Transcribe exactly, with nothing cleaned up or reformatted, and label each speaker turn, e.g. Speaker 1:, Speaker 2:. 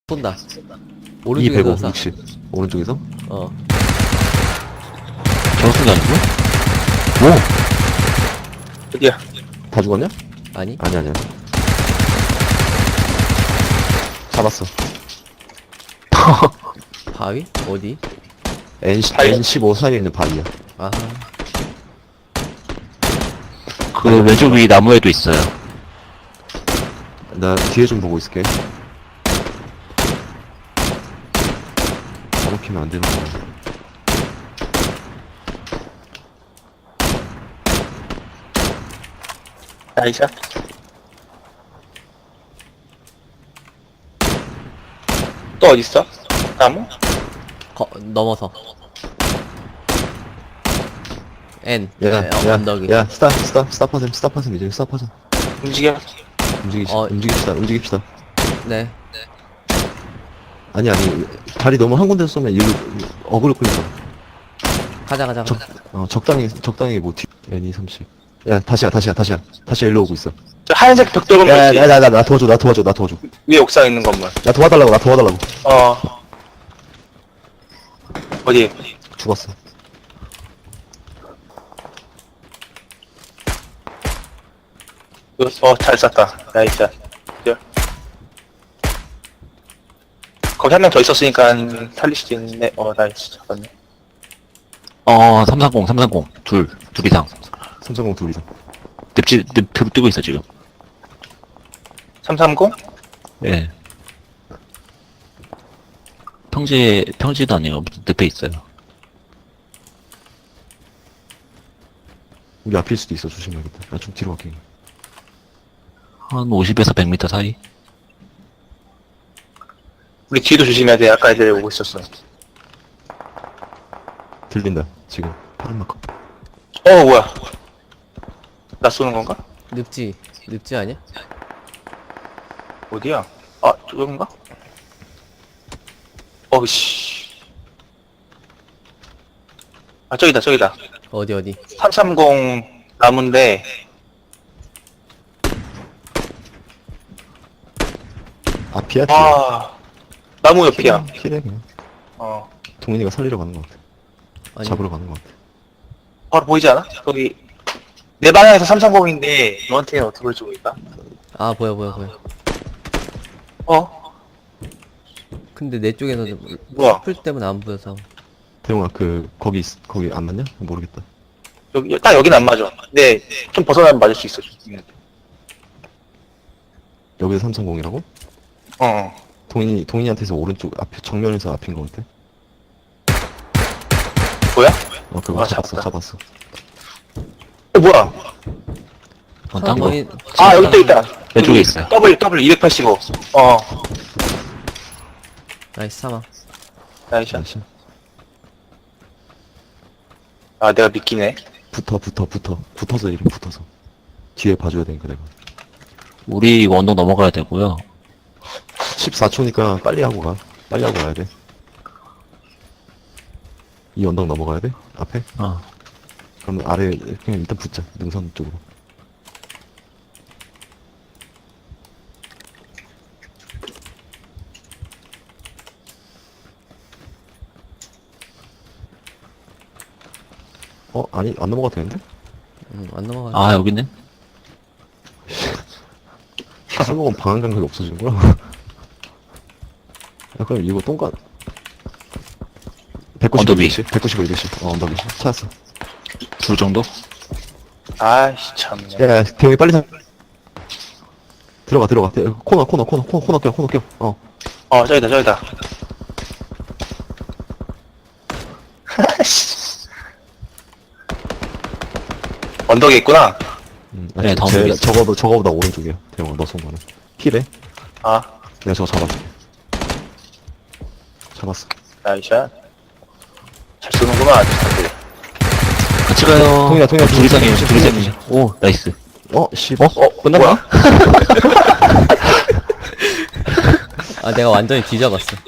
Speaker 1: 쏜다.
Speaker 2: 이 백오,
Speaker 1: 오른쪽에서 쏴.
Speaker 2: 육십. 오른쪽에서?
Speaker 1: 어.
Speaker 3: 저승이 아니고? 뭐?
Speaker 4: 어디야?
Speaker 2: 다 죽었냐?
Speaker 1: 아니?
Speaker 2: 아니, 아니야. 잡았어.
Speaker 1: 바위? 어디?
Speaker 2: N,
Speaker 4: 바위?
Speaker 2: 엔 십오 사이에 있는 바위야.
Speaker 1: 아,
Speaker 3: 그 왼쪽 위 나무에도 있어요.
Speaker 2: 나 뒤에 좀 보고 있을게. 잡아키면 안 되는 거야.
Speaker 4: 나이샷. 또 어딨어? 나무?
Speaker 1: 거, 넘어서. N.
Speaker 2: 야,
Speaker 1: 네, 어,
Speaker 2: 야,
Speaker 1: 언덕이.
Speaker 2: 야, 스탑, 스탑, 스탑하셈, 스탑하셈, 이제 스탑하자.
Speaker 4: 움직여.
Speaker 2: 움직이시,
Speaker 1: 어.
Speaker 2: 움직입시다, 움직입시다.
Speaker 1: 네.
Speaker 2: 아니, 아니, 다리 너무 한 군데서 쏘면 일로, 어그로 끌려.
Speaker 1: 가자, 가자,
Speaker 2: 적,
Speaker 1: 가자.
Speaker 2: 어, 적당히, 적당히 뭐, 뒤, 엔 이 삼십. 야, 다시야, 다시야, 다시야. 다시 일로 오고 있어.
Speaker 4: 저 하얀색 벽돌 건물
Speaker 2: 야,
Speaker 4: 있지?
Speaker 2: 야, 나, 나, 나 도와줘, 나 도와줘, 나 도와줘.
Speaker 4: 위에 옥상 있는 건물.
Speaker 2: 나 도와달라고, 나 도와달라고.
Speaker 4: 어. 어디?
Speaker 2: 죽었어.
Speaker 4: 어, 잘 쐈다. 나이샷. 기절. 거기 한 명 더 있었으니까 살릴 수도 있는데, 어, 나이스. 잡았네.
Speaker 3: 어, 삼삼공, 삼삼공. 둘, 둘 이상.
Speaker 2: 삼성공 둘 이상.
Speaker 3: 늪지, 늪, 늪 뜨고 있어, 지금.
Speaker 4: 삼삼공?
Speaker 3: 예. 평지, 평지도 아니고, 늪에 있어요.
Speaker 2: 우리 앞일 수도 있어, 조심해야겠다. 나 좀 뒤로 갈게.
Speaker 3: 한 오십에서 백 미터 사이?
Speaker 4: 우리 뒤도 조심해야 돼. 아까 애들 오고 있었어.
Speaker 2: 들린다, 지금. 파란 마커.
Speaker 4: 어, 뭐야. 나 쏘는 건가?
Speaker 1: 늪지. 늪지 아니야?
Speaker 4: 어디야? 아, 저건가? 어우씨. 아, 저기다, 저기다.
Speaker 1: 어디, 어디?
Speaker 4: 삼삼공 나무인데,
Speaker 2: 앞이야, 뒤야?
Speaker 4: 아, 나무 옆이야.
Speaker 2: 피해, 그냥.
Speaker 4: 어.
Speaker 2: 동민이가 살리러 가는 것 같아.
Speaker 1: 아니.
Speaker 2: 잡으러 가는 것 같아.
Speaker 4: 바로 보이지 않아? 거기, 내 방향에서 삼삼공인데, 너한테는 어떻게 볼지 모르겠다.
Speaker 1: 아, 보여, 보여, 보여.
Speaker 4: 어?
Speaker 1: 근데 내 쪽에는
Speaker 4: 뭐야?
Speaker 1: 풀 때문에 안 보여서.
Speaker 2: 대용아, 그, 거기, 있- 거기 안 맞냐? 모르겠다.
Speaker 4: 여기, 딱 여긴 안 맞아. 근데, 좀 벗어나면 맞을 수 있어.
Speaker 2: 여기서 삼성공이라고?
Speaker 4: 어.
Speaker 2: 동인이, 동인이한테서 오른쪽, 앞에, 정면에서 앞인 것 같아.
Speaker 4: 뭐야?
Speaker 2: 어, 그거
Speaker 4: 아,
Speaker 2: 잡았어,
Speaker 4: 잡았다.
Speaker 2: 잡았어.
Speaker 4: 어, 뭐야?
Speaker 3: 어, 딴 거.
Speaker 1: 거의-
Speaker 4: 아, 여기 또 있다.
Speaker 3: 왼쪽에 있어요.
Speaker 4: W, W 이백팔십오. 어.
Speaker 1: 나이스 사망.
Speaker 4: 나이스.
Speaker 2: 잠시.
Speaker 4: 아, 내가 믿기네.
Speaker 2: 붙어, 붙어, 붙어. 붙어서 이름 붙어서. 뒤에 봐줘야 되니까, 내가.
Speaker 3: 우리 이거 언덕 넘어가야 되고요.
Speaker 2: 십사 초니까 빨리 하고 가. 빨리 하고 가야 돼. 이 언덕 넘어가야 돼? 앞에?
Speaker 3: 어.
Speaker 2: 그러면 아래, 그냥 일단 붙자. 능선 쪽으로. 어? 아니, 안 넘어가도 되는데?
Speaker 1: 음, 안 넘어가.
Speaker 3: 아, 여기 있네?
Speaker 2: 술 먹으면 방한 감각이 없어지는 거야? 야, 그럼 이거 똥간. 백구십오,
Speaker 3: 언덕 위.
Speaker 2: 이백십? 백구십오, 이백십. 어, 언덕 위. 찾았어.
Speaker 3: 둘 정도?
Speaker 4: 아이씨, 참네.
Speaker 2: 야, 야, 대형이 빨리 사. 들어가, 들어가. 대- 코너, 코너, 코너, 코너, 코너 껴, 코너 껴. 어.
Speaker 4: 어, 저기다, 저기다. 언덕에 있구나.
Speaker 2: 음,
Speaker 3: 네, 다음
Speaker 2: 제,
Speaker 3: 쪽이야.
Speaker 2: 저거보다, 저거보다 오른쪽이야. 대형아, 너 쏜 거는. 킬해?
Speaker 4: 아,
Speaker 2: 내가 저거 잡았어. 잡았어.
Speaker 4: 나이샷. 잘 쏘는구만, 아주 사람들이.
Speaker 3: 같이 가요.
Speaker 2: 동이야, 동이야,
Speaker 3: 둘 이상이에요,
Speaker 2: 둘
Speaker 3: 둘
Speaker 2: 이상.
Speaker 3: 이상이에요. 오, 나이스.
Speaker 2: 어? 씨.
Speaker 3: 어?
Speaker 4: 어,
Speaker 3: 끝났나?
Speaker 4: 뭐야?
Speaker 1: 아, 내가 완전히 뒤잡았어.